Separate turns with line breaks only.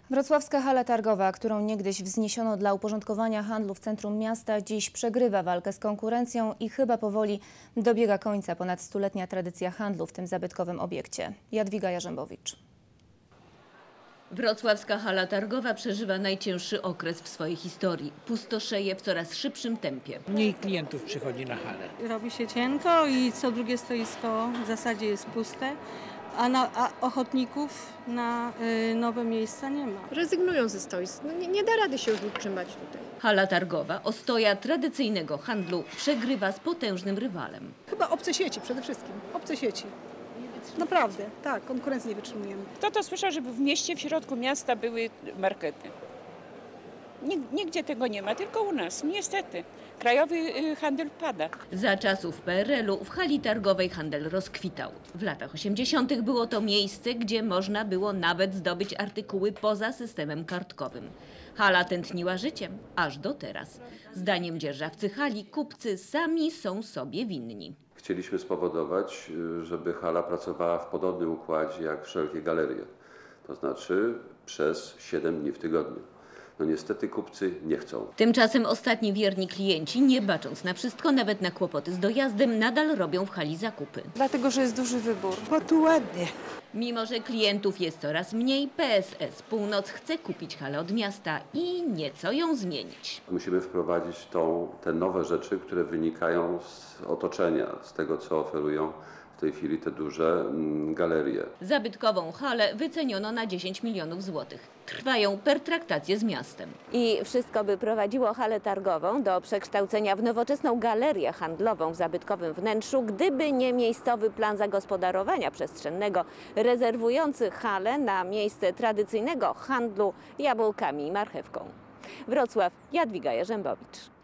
Wrocławska hala targowa, którą niegdyś wzniesiono dla uporządkowania handlu w centrum miasta, dziś przegrywa walkę z konkurencją i chyba powoli dobiega końca ponad stuletnia tradycja handlu w tym zabytkowym obiekcie. Jadwiga Jarzębowicz.
Wrocławska hala targowa przeżywa najcięższy okres w swojej historii. Pustoszeje w coraz szybszym tempie.
Mniej klientów przychodzi na halę.
Robi się cienko i co drugie stoisko w zasadzie jest puste, a ochotników na nowe miejsca nie ma.
Rezygnują ze stoisk. Nie da rady się już utrzymać tutaj.
Hala targowa, ostoja tradycyjnego handlu, przegrywa z potężnym rywalem.
Chyba obce sieci przede wszystkim. Obce sieci. Naprawdę, tak, konkurencji nie wytrzymujemy.
Kto to słyszał, żeby w mieście, w środku miasta były markety? Nigdzie tego nie ma, tylko u nas, niestety. Krajowy handel pada.
Za czasów PRL-u w hali targowej handel rozkwitał. W latach 80. było to miejsce, gdzie można było nawet zdobyć artykuły poza systemem kartkowym. Hala tętniła życiem, aż do teraz. Zdaniem dzierżawcy hali, kupcy sami są sobie winni.
Chcieliśmy spowodować, żeby hala pracowała w podobnym układzie jak wszelkie galerie, to znaczy przez 7 dni w tygodniu. No niestety kupcy nie chcą.
Tymczasem ostatni wierni klienci, nie bacząc na wszystko, nawet na kłopoty z dojazdem, nadal robią w hali zakupy.
Dlatego, że jest duży wybór.
Bo tu ładnie.
Mimo że klientów jest coraz mniej, PSS Północ chce kupić halę od miasta i nieco ją zmienić.
Musimy wprowadzić te nowe rzeczy, które wynikają z otoczenia, z tego co oferują w tej chwili te duże galerie.
Zabytkową halę wyceniono na 10 milionów złotych. Trwają pertraktacje z miastem.
I wszystko by prowadziło halę targową do przekształcenia w nowoczesną galerię handlową w zabytkowym wnętrzu, gdyby nie miejscowy plan zagospodarowania przestrzennego rezerwujący halę na miejsce tradycyjnego handlu jabłkami i marchewką. Wrocław, Jadwiga Jarzębowicz.